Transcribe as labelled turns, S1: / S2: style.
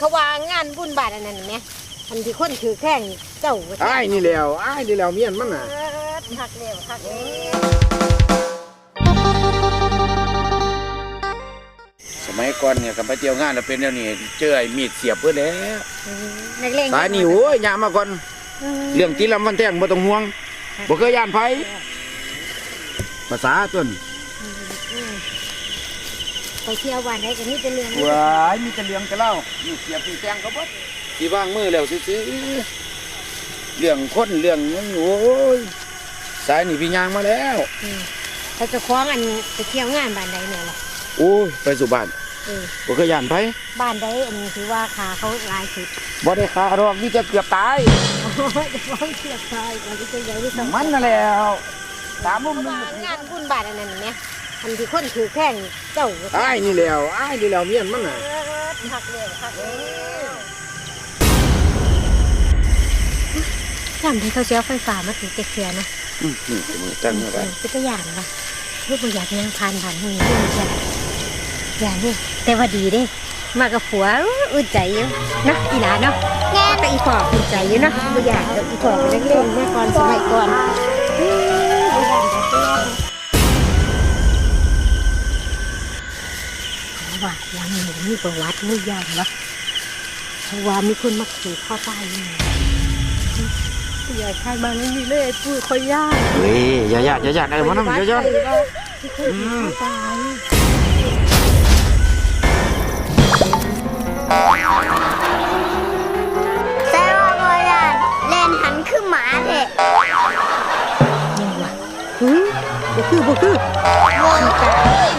S1: เขาว่างานบุญบาทอันนั้นไหมอันที่คนถือแข้งเจ้า
S2: อ้ายนี่แล้วเมียนมันน่ะ
S1: คักเร็วคักเร็ว
S2: สมัยก่อนเนี่ยกับไปเที่ยวงานแล้วเป็นแล้วนี่เจอไอ้มีดเสียบเพื่อแล้ว
S1: นักเลง
S2: สายนี่โอ้ยยามาก่อนเรื่องตีลำวันแท่งบ่ต้องห่วงบ่เคยย่านไผภาษาต้น
S1: ไปเที่ยววันไหนกันนี่จะเรื่อง
S2: ว้ายมีแต่เรื่องแต่เล่ามีเสียบตีแตงก็บ่ที่วางมือแล้วซื่อๆเรื่องคนเรื่องนั้นโอ้ยสายนี่พี่ยางมาแล้ว
S1: เขาจะคล้องอันไปเที่ยวงานบ้านใดเนี่ยล่ะ
S2: โอ้ยไปสู่บ้านบ่เคยย่านไผ
S1: บ้านใดอันนี้ถือว่าขาเขาลายสุด
S2: บ่ได้ขาหรอกมีแต่เกือบตาย
S1: จะฟ้องเกือบตายมันจะใหญ่ที่สุด
S2: มันนั่นแล้วถามมุมนึง
S1: งานบุญบาทอันนั้นไหมอันที่คนถือแข้งเจ้า
S2: อ้ายนี่แล้วเมียนมันน่ะ
S1: คักเร็วคักเร็วจำที่เขาเสียไฟฟ้ามาถึงเจ็ดเสียนะ
S2: นี่มือตั้งอะไร
S1: เป็นตัวอย่างป่ะลูกบ่อยากยังผ่านมือนี่อย่างนี้แต่ว่าดีเด้มากับผัวอุ่นใจอยู่นะอีหลาเนาะแง่แต่อีปอบอุ่นใจอยู่เนาะบ่อยากอีปอบไปเล่นๆเมื่อก่อนสมัยก่อนว่ายังมีประวัติไม่ยากวะเพราะว่ามีคนมาขู่ข้อตายอยู่อย่าใช้มาไม่มีเลยพูดค่อยยาก
S2: เฮ้ยอย่าไอ้มันนั่นอย่า
S1: ตาย
S3: แต่ว่าโบราณเล่นหันคือหมาเถอะ
S1: ยังวะบ่คือ